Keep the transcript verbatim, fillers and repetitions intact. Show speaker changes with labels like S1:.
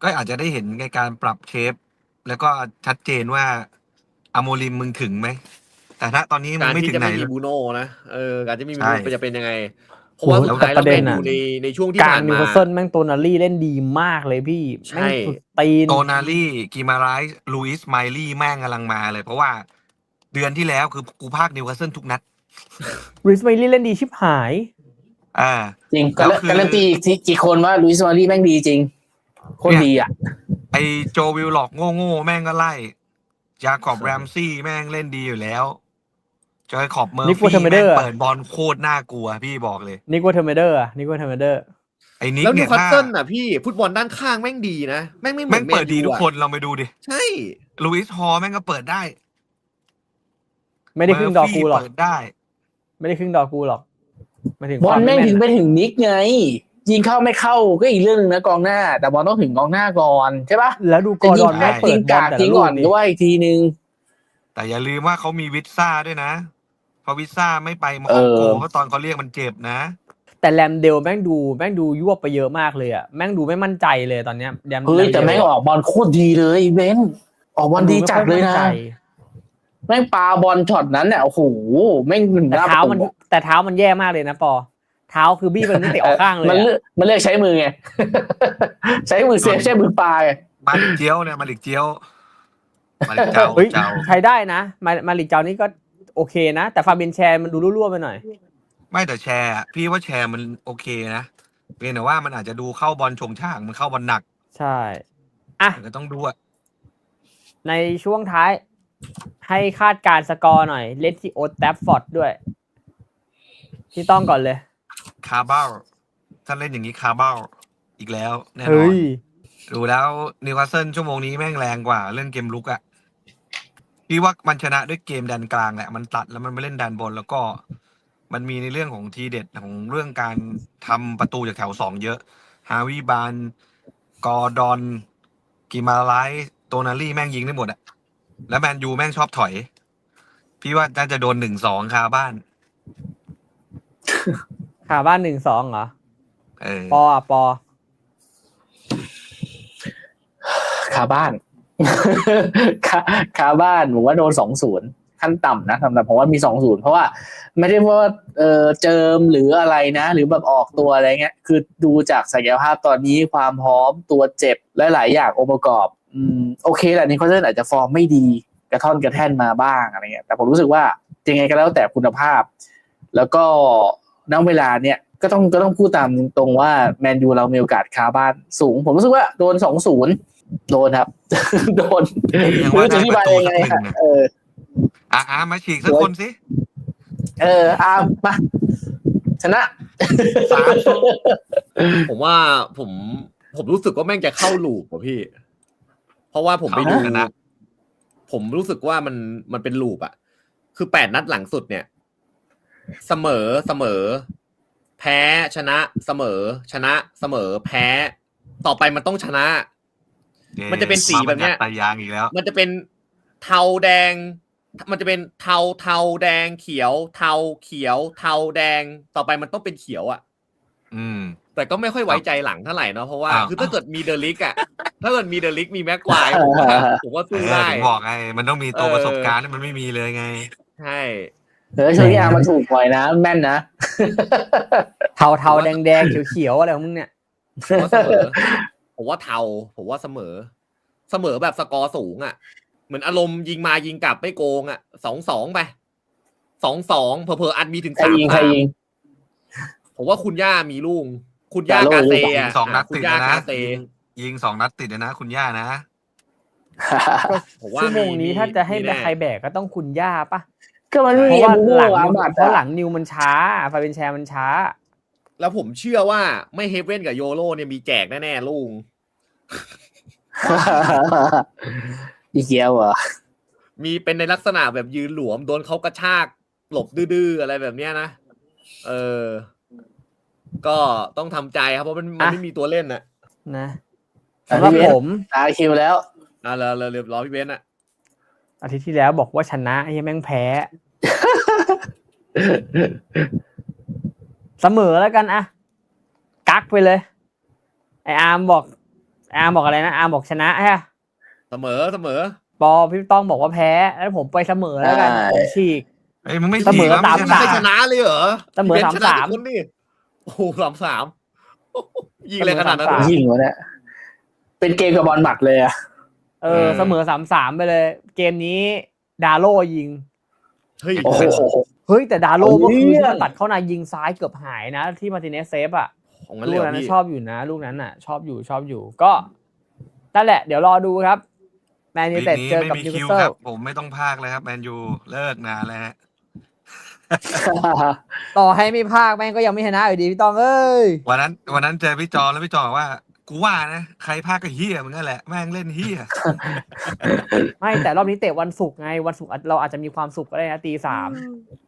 S1: ก็อาจจะได้เห็นในการปรับเชฟแล้วก็ชัดเจนว่าอโมริมมึงถึงไหมแต่ถ้าตอนนี้มึ
S2: กาง ร
S1: ไม่
S2: ที่
S1: ถึง
S2: จะ
S1: ไหน
S2: ไม่มี
S1: เลย
S2: บูโน่นะเออการที่ไม่มี
S1: ใช่
S2: บูโน่จะเป็นยังไงเพ
S3: โห
S2: ราะว่าสุดท้าย
S3: แต่ป
S2: แล้ว
S3: ระเด็
S2: แม
S3: น
S2: น
S3: น่ะ
S2: ยูในในช่วงที่
S3: กลาง
S2: ผ่าน
S3: นิว
S2: มา
S3: คาสเซิลแม่งโตนารี่เล่นดีมากเลยพี่
S2: ใช่
S3: แม่งสุดตีน
S1: โตนารี่กิมาไรส์ลูอิสไมลี่แม่งกำลังมาเลย เพราะว่าเดือนที่แล้วคือกูพากนิวคาสเซิลทุกนัด
S3: ริสไมลี่เล่นดีชิบหาย
S1: อ่า
S4: จริง
S1: แล้
S4: กาว
S1: คือ
S4: การันตีอีกทีกี่คนว่าลุยส์มารี่แม่งดีจริงโคตรดีอ่ะ
S1: ไอโจวิลล็อกโง่ๆแม่งก็ไล่จาคอบแรมซี่แม่งเล่นดีอยู่แล้วจอยขอบเมอ
S3: นิ
S1: ร์
S3: กวั
S1: ฟี่
S3: ตเทอร์เมเดอ
S1: แม่ง
S3: ร์
S1: เปิดบอลโคตรน่ากลัวพี่บอกเลย
S3: นิกวัตเทอร์เมเดอร์อะนิกวัตเทอร์เมเดอร์
S1: ไอ้นิก
S2: แล้วนิ
S1: เนี่
S2: วย คาส
S1: ถ้า
S2: เซิลน่ะพี่ฟุตบอลด้านข้างแม่งดีนะแม่งไม่เหมื
S1: แม่
S2: อน
S1: ง
S2: แม
S1: เปิด
S2: น
S1: ดี
S2: ยู
S1: ทุก
S2: อะ
S1: คนเราไปดูดิ
S2: ใช่
S1: ลูอิสฮอลแม่งก็เปิดได้
S3: ไม่ได้ครึ่งดอกกูหรอก
S1: เปิดได้
S3: ไม่ได้ครึ่งดอกกูหรอกมาถึง
S4: บอลแม่งถึงไป
S3: น
S4: ถึงนิกไง ยิงเข้าไม่เข้าก็อีกเรื่องนึงนะกองหน้า แต่บอลต้องถึงกองหน้าก่อนใช่ปะ
S3: แล้วดูกอร์ดอนแม่งเปิ
S4: ยิ
S3: ด
S4: ง
S3: บอล
S4: กาก
S3: แต่
S4: ทิ้
S3: ละ
S4: ง
S3: ลู
S4: ก่
S3: ก
S4: อน
S3: นี่
S4: ด้วยอีกทีนึง
S1: แต่อย่าลืมว่าเขามีวิทซ่าด้วยนะเพราะวิทซ่าไม่ไปมาออกโก
S4: เออ
S1: เพราะตอนเขาเรียกมันเจ็บนะ
S3: แต่แรมเดลแม่งดูแม่งดูยวบไปเยอะมากเลยอะแม่งดูไม่มั่นใจเลยตอนเนี้ยแรม
S4: เฮ้ยแต่แม่งออกบอลโคตรดีเลยเบนออกบอลดีจัดเลยนะแม่งปาบอลช็อตนั้นเนี่ยโอ้โหแม่งหนึ่ง
S3: แต่
S4: หน้า
S3: เท้า
S4: ประตู
S3: มัน
S4: อะ
S3: แต่เท้ามันแย่มากเลยนะปอเท้าคือบี้มันไม่เตะออกข้างเลย
S4: มัน
S3: อะ
S4: เลือกมันเลือกใช้มือไง ใช้มือเซฟใช้มือปาไง
S1: มาลิกเจียวเนี่ยมาลิกเจียวมาลิกเจ้า
S3: เฮ้ย
S1: เจ้า
S3: ใช้ได้นะมามาลิกเจ้านี่ก็โอเคนะ แต่ฟาเบียนแชร์มันดูรั่วๆไปหน่อย
S1: ไม่แต่แชร์อะพี่ว่าแชร์มันโอเคนะเพียงแต่ว่ามันอาจจะดูเข้าบอลชงช่างมันเข้าบอลหนัก
S3: ใช่อ่ะ
S1: มันก็ต้องดูอะ
S3: ในช่วงท้าย ให้คาดการณ์สกอร์หน่อยเลนที่โอตแทฟฟอร์ดด้วย ที่ต้องก่อนเลย
S1: คาร์เบ้าถ้าเล่นอย่างนี้คาร์เบ้าอีกแล้วแน่นอ
S3: เฮ้
S1: น
S3: ย
S1: ดูแล้วนิวคาสเซิลชั่วโมงนี้แม่งแรงกว่าเรื่องเกมลุกอะพี่ว่ามันชนะด้วยเกมดันกลางแหละมันตัดแล้วมันไม่เล่นดันบนแล้วก็ มันมีในเรื่องของทีเด็ดของเรื่องการทำประตูจากแถวสองเยอะฮาวิบานกอร์ดอนกิมาไลส์โตนารี่แม่งยิงได้หมดอะแล้วแมนยูแม่งชอบถอย พี่ว่าน่าจะโดนหนึ่งสองคาบ้าน
S3: ขาบ้านหนึ่งสองเหรอ
S1: เออ
S3: ปออ่ะปอ
S4: คาบ้าน คาคาบ้านผมว่าโดนสองศูนย์ขั้นต่ำนะสำหรับผมว่ามีสองศูนย์เพราะว่าไม่ได้ว่าเออเจิมหรืออะไรนะ หรือแบบออกตัวอะไรเงี้ยคือดูจากศักยภาพตอนนี้ความพร้อมตัวเจ็บและหลายอย่างองค์ประกอบอืมโอเคแหละนิโคลเซนอาจจะฟอร์มไม่ดีกระท่อนกระแท่นมาบ้างอะไรเงี้ยแต่ผมรู้สึกว่ายังไงก็แล้วแต่คุณภาพ แล้วก็ณเวลาเนี้ยก็ต้องก็ต้องพูดตามตรงว่าแมนยูเรามีโอกาสคาบ้านสูงผมรู้สึกว่าโดนสองศูนย์โดนครับ โดน
S1: ยัง
S4: ไม่
S1: ว่า
S4: รู้จะ
S1: ได้
S4: อธิ
S1: ประ
S4: บาย
S1: ตู
S4: ยัง
S1: สั
S4: ไง
S1: กหนึ่ง
S4: ฮะ
S1: นะ
S4: เออ
S1: อ่ะอ่ะมาฉีกสักคนสิ
S4: เอออามาชนะ
S1: สาม
S2: ผมว่าผมผมรู้สึกว่าแม่งจะเข้าลูปว่ะพี่ เพราะว่าผมไปดู
S1: ชนะ
S2: ผมรู้สึกว่ามันมันเป็นลูปอะคือแปดนัดหลังสุดเนี่ย เสมอเสมอ แพ้ชนะเสมอ ชนะเสมอ แพ้ ต่อไปมันต้องชนะ มันจะเป็นสีแบบเนี้ย
S1: มาตายางอีกแล้ว
S2: มันจะเป็นเทาแดง มันจะเป็นเทาเทาแดงเขียว เทาเขียว เทาแดง ต่อไปมันต้องเป็นเขียวอะ
S1: อืม
S2: แต่ก็ไม่ค่อยไว้ใจหลังเท่าไหร่เนาะเพราะว่า
S1: อ้าว
S2: คือถ้าเกิดมีเดลิกอะถ้าเกิดมีเดลิกมีแม็กควายผมว่าผมว่า
S1: เอ
S2: สู้
S1: อ
S2: ได้
S1: ถึงบอกไง มันต้องมีตัว
S2: เออ
S1: ประสบการณ์ที่มันไม่มีเลยไง
S2: ใช่
S4: เออช่วงนี้อามันถูกปล่อยนะแม่นนะ
S3: เทาเทาแดงแดงเขียวเขียวๆอะไรของมึงเนี่ย
S2: ผมว่าเสมอ ผมว่าเทาผมว่าเสมอ เสมอแบบสกอร์สูงอะเหมือนอารมณ์ยิงมายิงกลับไม่โกงอะสองสองไปสองสองเผลอๆอัดมีถึง
S4: ใคร
S2: สาม
S4: ยิงใคร
S2: สาม
S4: ยิง
S2: ผมว่าคุณย่ามีลูกคุณย่ากาเซ
S1: ยิง
S2: อะ
S1: สองนัด
S2: คุ
S1: ติ
S2: ณ
S1: ด
S2: ย่า
S1: เลยนะ
S2: กาเซ
S1: ยิงยิงสองนัดติดเลยนะ คุณย่านะ
S2: ผมว่า
S3: ชั่วโมงนี้ถ้าจะให้
S2: มีแน่
S3: ใครแบกก็ต้องคุณย่าปะ
S4: ก็มันไม่
S3: เพ
S4: มี
S3: ราะว่า
S4: บู
S3: หลัง
S4: อา
S3: นิว
S4: บัต
S3: เพราะหลังนิวมันช้าฟาเบียนแชร์มันช้า
S2: แล้วผมเชื่อว่าไม่เฮเว่นกับโยโรเนี่ยมีแจกแน่ๆลุง
S4: อีเกียวเหรอ
S2: มีเป็นในลักษณะแบบยืนหลวมโดนเขากระชากหลบดื้อๆอะไรแบบเนี้ยนะ เออ ก็ต้องทำใจครับเพราะมันมัน
S3: อ่ะ
S2: ไม่มีตัวเล่นน่ะ
S3: นะสำหรับผม
S4: ตาคิวแล้ว
S2: อ่ะเราเราเรียบร้อยพี่เบนซ์อ่ะ
S3: อาทิตย์ที่แล้วบอกว่าชนะไอ้แม่งแพ้ เสมอแล้วกันอะกักไปเลย ไออาร์มบอก ไออาร์มบอกอะไรนะอาร์มบอกชนะฮะ
S2: เสมอเสมอ
S3: ปอพี่ต้องบอกว่าแพ้แล้วผมไปเสมอแล้วกันผมฉีก
S1: เอ้ยมึงไม่
S3: เสมอ
S1: ฉีกแล้ว
S3: สาม
S1: ไช
S3: สา
S2: ไม่
S1: นะ
S2: ชนะเลยเหรอ
S3: เสมอ
S2: พี่บนซ์ชนะ
S3: สามสาม
S2: ทุกคนนี่โอ้โหสามสามยิงอะไรขนาดนั้น
S3: เสมอสามสาม
S4: ยิงวะเนี่ยเป็นเกมกับบอลหมัดเลยอะ
S3: เออเสมอสามสามไปเลย เกมนี้ดาโลยิง
S2: เฮ้ย
S4: โอ้โห
S3: เฮ้ยแต่ดาโล
S4: เอา
S3: เมื่อคืน
S4: เรื่
S3: ที่
S4: อง
S3: มันตัดเข้าในยิงซ้ายเกือบหายนะ ที่มาร์ติเนสเซฟอ่ะ
S2: ของงั้น
S3: ลู
S2: เลย
S3: ก
S2: เหรอ
S3: นั้นนะ
S2: พี่
S3: ชอบอยู่นะ ลูกนั้นน่ะ ชอบอยู่ชอบอยู่ก็นั่นแหละ เดี๋ยวรอดูครับแมนยู
S1: วีค
S3: เต็ด
S1: นี้
S3: เจอ
S1: ไม่
S3: กับ
S1: มี
S3: นิว
S1: คิ
S3: คาว สเซิ
S1: ค
S3: ล
S1: รับ ผมไม่ต้องพากเลยครับแมนยูเลิกนานแล้วฮะ
S3: ต่อให้ไม่พากแม่งก็ยังไม่ชนะอยู่ดีพี่ต้องเอ้ย
S1: วันนั้นวันนั้นเจอพี่จอแล้วพี่จอบอกว่ากูว่านะใครพากก็เฮียมึงนั่นแหละแม่งเล่นเฮีย
S3: ไม่แต่รอบนี้เตะวันศุกร์ไงวันศุกร์เราอาจจะมีความสุขก็ได้นะตีสาม